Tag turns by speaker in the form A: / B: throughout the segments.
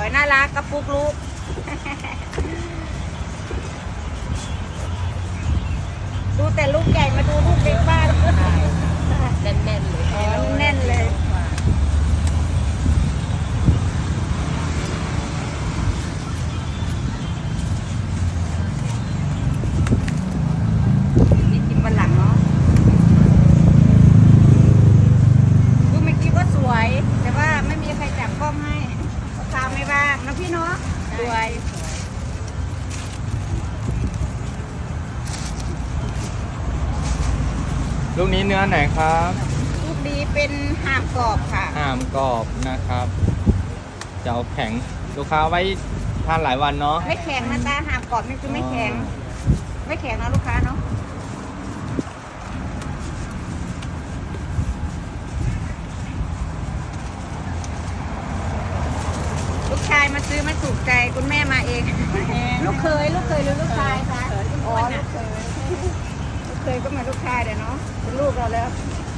A: วยน่ารักกระปุกลูก ดูแต่ลูกใหญ่มาดูลูกเล็กบ้าน
B: แน่นๆเลย
A: อ๋อแน่นเลยนี่กินวันหลังเนาะดูเมื่อกี้ก็สวย แต่ว่าไม่มีใครจับกล้องให้ตามไม่บ้างนะพี่เนาะสวย
C: ลูกนี้เนื้อไหนครับ
A: ลูกดีเป็นห่ามกรอบค่ะ
C: ห่ามกรอบนะครับ จะเอาแข็งลูกค้าไว้ทานหลายวันเนาะ
A: ไม่แข็งนะตาห่ามกรอบนี่คือไม่แข็ง ไม่แข็งนะลูกค้าเนาะลูกชายมาซื้อไม่ถูกใจคุณแม่มาเอง ลูกเคยหรือลูกชายคะอ๋อลูกเคยลูกเคยก็เหมือนลูกชายเดี๋ยวเนาะเป็นลูกเราแล้ว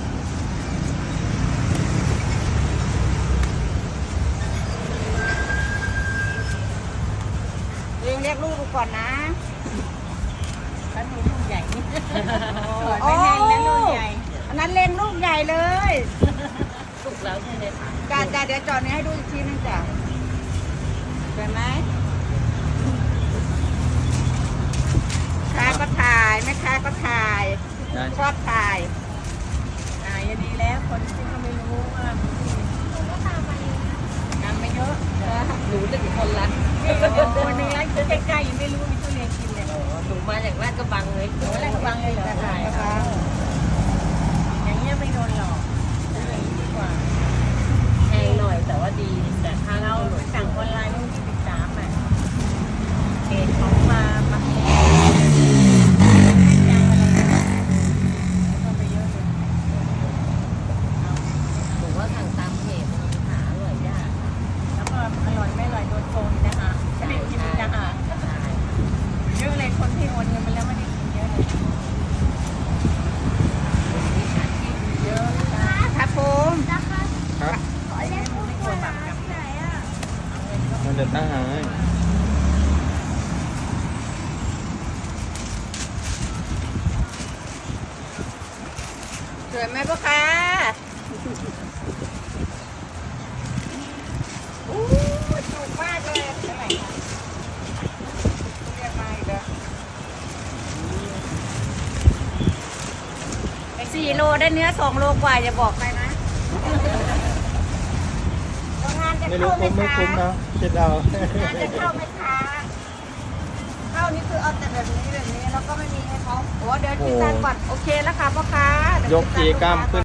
A: เรียกลูกดูก่อนนะ
B: แล้วมีลูกใหญ่นี่
A: โอ้อันนั้นเล็งลูกใหญ่เลย
B: สุกแล้วใช่ไหมคะ
A: จ้าเดี๋ยวจอดนี้ให้ดูอีกทีนึงจ้ะเห็นไหมค้าก็ถ่ายแม่ค้าก็ถ่ายชอบถ่าย
B: อย่างนี้แล้วคนที่เขาไม่รู้ว่าทำไม่เยอะหนู1 คนละคนนึงร้านซื้อใกล้ๆยังไม่รู้มีทุเรียนกินเลยหนูมาจากลาดกระบังเลยหนูลาดกระบังเลยเหรอใช่ค่ะอย่างเงี้ยไม่โดนหลอกดีกว่าแพงหน่อยแต่ว่าดีแต่ถ้าเราสั่งออนไลน์ต้องติดตามอ่ะเพจเขามาหนูว่าสั่งตามเพจหาอร่อยยากแล้วก็อร่อยไม่อร่อยโดนโกงนะคะไม่ได้กินนะคะเยอะเลยคนที่โอนเงินไปแล้วไม่ได้กินเยอะเลยมีสารที่เยอะนะคะ
A: ครับผม
C: ครับ
B: ไม่ควรแบบกับไหนอ่ะ
C: มันจะตั้งหาย
A: สวยไหมพ่อค้าอู้ถูกมากเลยเท่าไหร่คะเรียกมาอีกแล้ว4 โลได้เนื้อ2 โลกว่าอย่าบอกใครนะงานจะ
C: ไม่รู้
A: เข้าไหม
C: คุ้มไม่
A: คะ
C: คุ้มนะคิดเอา
A: งานจะเข้าไหมคะเข้านี่คือเอาแต่แบบนี้แล้วก็ไม่มีให้เขาโอ้เดี๋ยวคิดตังค์ก่อนโอเคแล้วค่ะพ่อค้าเดี๋วย
C: กจีกล้ามขึ้น